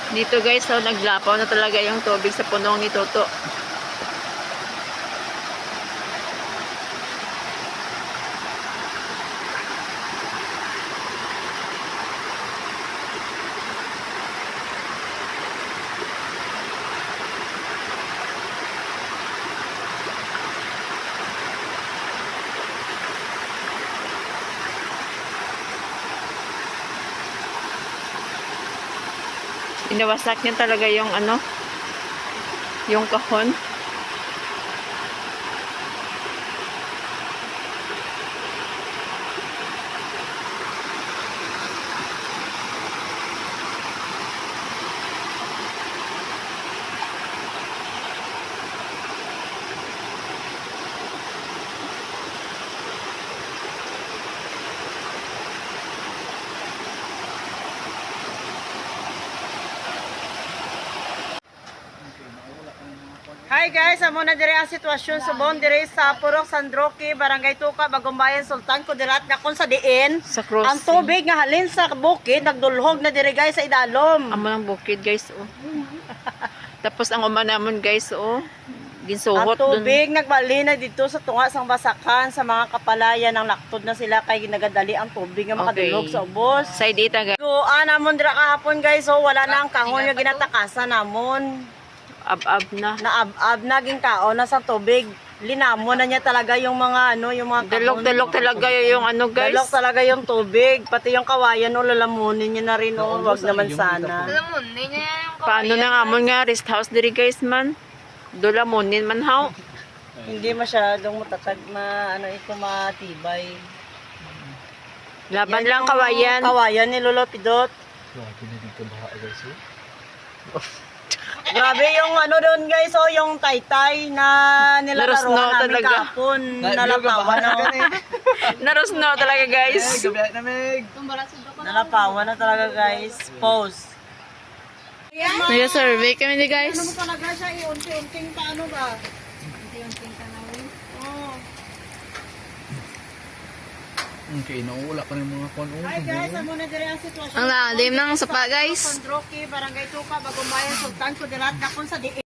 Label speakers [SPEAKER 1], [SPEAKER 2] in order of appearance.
[SPEAKER 1] Dito guys, so naglapaw na talaga yung tubig sa punong ni Toto. Inawasak niya talaga yung ano, yung kahon.
[SPEAKER 2] Hi guys, amo na dire ang sitwasyon subon dire sa Purok Sandroque, Barangay Tuka, Bagumbayan, Sultan Kudirat nga kun sa diin.
[SPEAKER 1] Sa crossing.
[SPEAKER 2] Ang tubig nga halin sa bukid nagdulhog na dire guys sa idalom.
[SPEAKER 1] Amo ng bukid guys, oh. Tapos ang umanamon guys, oh. Ginsuhot
[SPEAKER 2] Ang tubig nagbali na dito sa tunga sang basakan sa mga kapalayan ng laktod na sila kay ginagadali ang tubig nga makadulhog sa ubos.
[SPEAKER 1] Side ita guys.
[SPEAKER 2] So, namon dira kahapon guys, so wala na ang kahon nga ginatakasan namon.
[SPEAKER 1] Ab-ab na.
[SPEAKER 2] Naab-ab naging kao na sa tubig. Linamon na niya talaga yung mga ano, yung mga kahon.
[SPEAKER 1] Dalok talaga yung ano guys.
[SPEAKER 2] Dalok talaga yung tubig, pati yung kawayan o lalamunin niya na rin o, wag naman sana.
[SPEAKER 3] Lalamunin niya yung
[SPEAKER 1] Paano na nga mo nga rest house diri guys man? Dulamunin man haw.
[SPEAKER 2] Hindi masyadong matatag ano ito matibay.
[SPEAKER 1] Laban
[SPEAKER 2] Yan
[SPEAKER 1] lang
[SPEAKER 2] yung
[SPEAKER 1] kawayan.
[SPEAKER 2] Kawayan ni Lolo Pidot.
[SPEAKER 4] Grabe na dito baha guys.
[SPEAKER 2] Grabe yung ano doon guys, o yung taytay na
[SPEAKER 1] Narosno
[SPEAKER 2] nilalaroan namin
[SPEAKER 1] talaga.
[SPEAKER 2] kahapon. Nalapawan na.
[SPEAKER 1] Narosno talaga guys.
[SPEAKER 4] Gabi na Meg.
[SPEAKER 2] Nalapawan na talaga guys. Pause.
[SPEAKER 1] Nag-survey kami ni guys.
[SPEAKER 2] Ano mo talaga siya, unti-unting paano ba? Unti-unting tanawin? Oo.
[SPEAKER 4] Okay, nauula pa ng mga kon.
[SPEAKER 2] Hi guys, amo na dire ang sitwasyon.
[SPEAKER 1] Ang lalim ng sapa guys.
[SPEAKER 2] Sandroque, Barangay Tuka, Bagumbayan, Sultan Kudirat, nakon sa diin.